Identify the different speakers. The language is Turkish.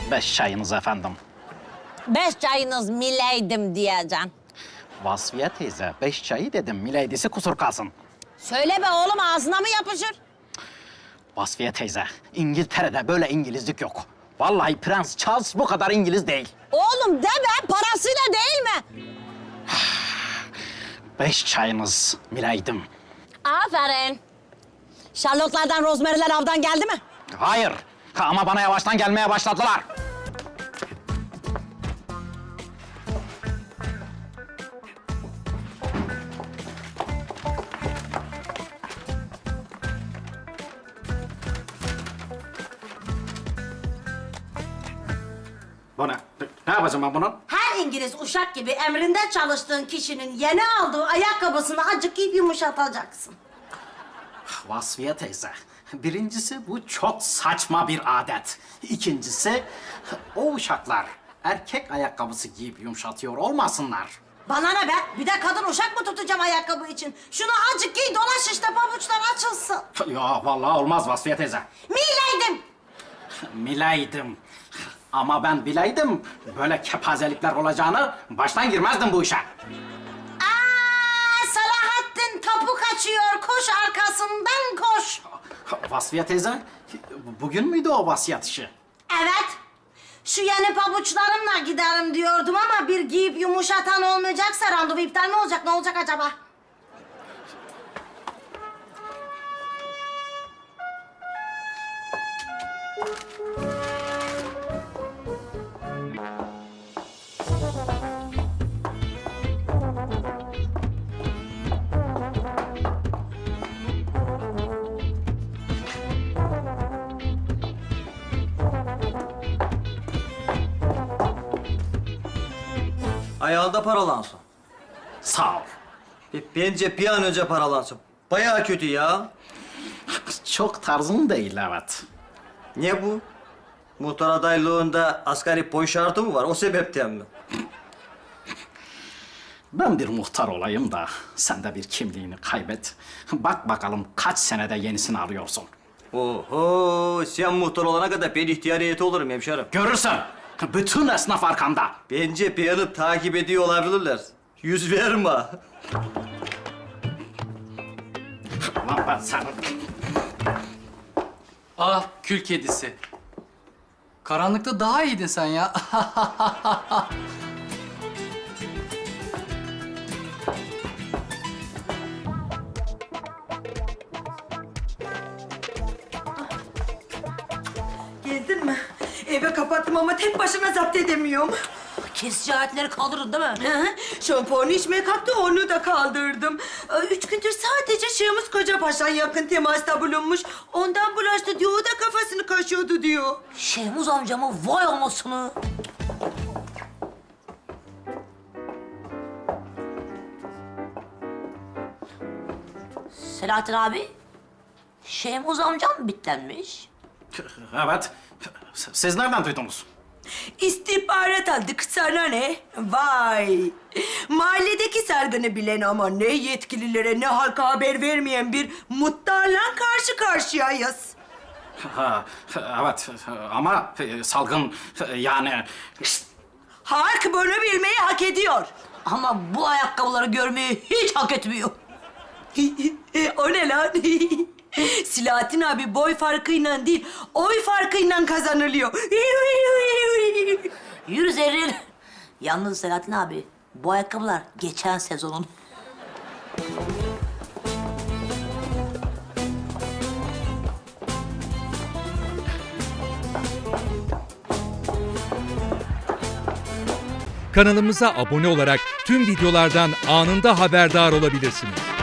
Speaker 1: 5 çayınız efendim.
Speaker 2: 5 çayınız mileydim diyeceksin.
Speaker 1: Vasfiye teyze 5 çayı dedim. Mileydisi kusur kalsın.
Speaker 2: Söyle be oğlum, ağzına mı yapışır?
Speaker 1: Vasfiye teyze, İngiltere'de böyle İngilizlik yok. Vallahi Prens Charles bu kadar İngiliz değil.
Speaker 2: Oğlum deme, parasıyla değil mi?
Speaker 1: 5 çayınız mileydim.
Speaker 2: Aferin. Charlotte'lardan, Rosemary'ler avdan geldi mi?
Speaker 1: Hayır. Ama bana yavaştan gelmeye başladılar. Bu ne? Ne yapacağım ben bunu?
Speaker 3: Her İngiliz uşak gibi emrinde çalıştığın kişinin yeni aldığı ayakkabısını azıcık giyip yumuşatacaksın.
Speaker 1: Vasfiye teyze, birincisi bu çok saçma bir adet. İkincisi, o uşaklar erkek ayakkabısı giyip yumuşatıyor olmasınlar.
Speaker 3: Bana ne be? Bir de kadın uşak mı tutacağım ayakkabı için? Şunu azıcık giy, dolaş işte, pabuçlar açılsın.
Speaker 1: Ya vallahi olmaz Vasfiye teyze.
Speaker 3: Mileydim.
Speaker 1: Mileydim. Ama ben bileydim böyle kepazelikler olacağını baştan girmezdim bu işe.
Speaker 3: Salahattin tapu kaçıyor, koş arkasından koş.
Speaker 1: Vasfiye teyze, bugün müydü o vasiyet işi?
Speaker 3: Evet. Şu yeni pabuçlarımla giderim diyordum ama bir giyip yumuşatan olmayacaksa randevu iptal mi olacak? Ne olacak acaba?
Speaker 4: Ayağında paralansın.
Speaker 1: Sağ ol.
Speaker 4: Bence bir an önce paralansın. Bayağı kötü ya.
Speaker 1: Çok tarzım değil evet.
Speaker 4: Ne bu? Muhtar adaylığında asgari boy şartı mı var? O sebepten mi?
Speaker 1: Ben bir muhtar olayım da sen de bir kimliğini kaybet. Bak bakalım kaç senede yenisini arıyorsun.
Speaker 4: Oho, sen muhtar olana kadar ben ihtiyar heyeti olurum hemşerim.
Speaker 1: Görürsün. Bütün esnaf arkanda.
Speaker 4: Bence beyanı takip ediyor olabilirler. Yüz verme.
Speaker 1: Lan ben sana...
Speaker 5: Ah kül kedisi. Karanlıkta daha iyiydin sen ya.
Speaker 6: Geldin mi? Eve kapattım ama tek başına zapt edemiyorum.
Speaker 3: Kesici aletleri kaldırın değil mi?
Speaker 6: Hı hı. Şampuanı içmeye kalktı, onu da kaldırdım. 3 gündür sadece Şahımız Kocapaşa'dan yakın temasta bulunmuş. Ondan bulaştı diyor, o da kafasını kaşıyordu diyor.
Speaker 3: Şehmuz amcamı vay anasını. Selahattin abi, Şehmuz amcam bitlenmiş.
Speaker 1: Evet. Siz nereden duydunuz?
Speaker 6: İstihbarat aldık, sana ne? Vay! Mahalledeki sargını bilen ama ne yetkililere ne halka haber vermeyen bir muhtarla karşı karşıyayız.
Speaker 1: Ha, evet ama salgın yani...
Speaker 6: Halk bunu bilmeyi hak ediyor.
Speaker 3: Ama bu ayakkabıları görmeyi hiç hak etmiyor.
Speaker 6: O ne lan? Silahattin abi boy farkıyla değil, oy farkıyla kazanılıyor.
Speaker 3: Yürü Zerrin. Yalnız Selahattin abi, bu ayakkabılar geçen sezonun.
Speaker 7: Kanalımıza abone olarak tüm videolardan anında haberdar olabilirsiniz.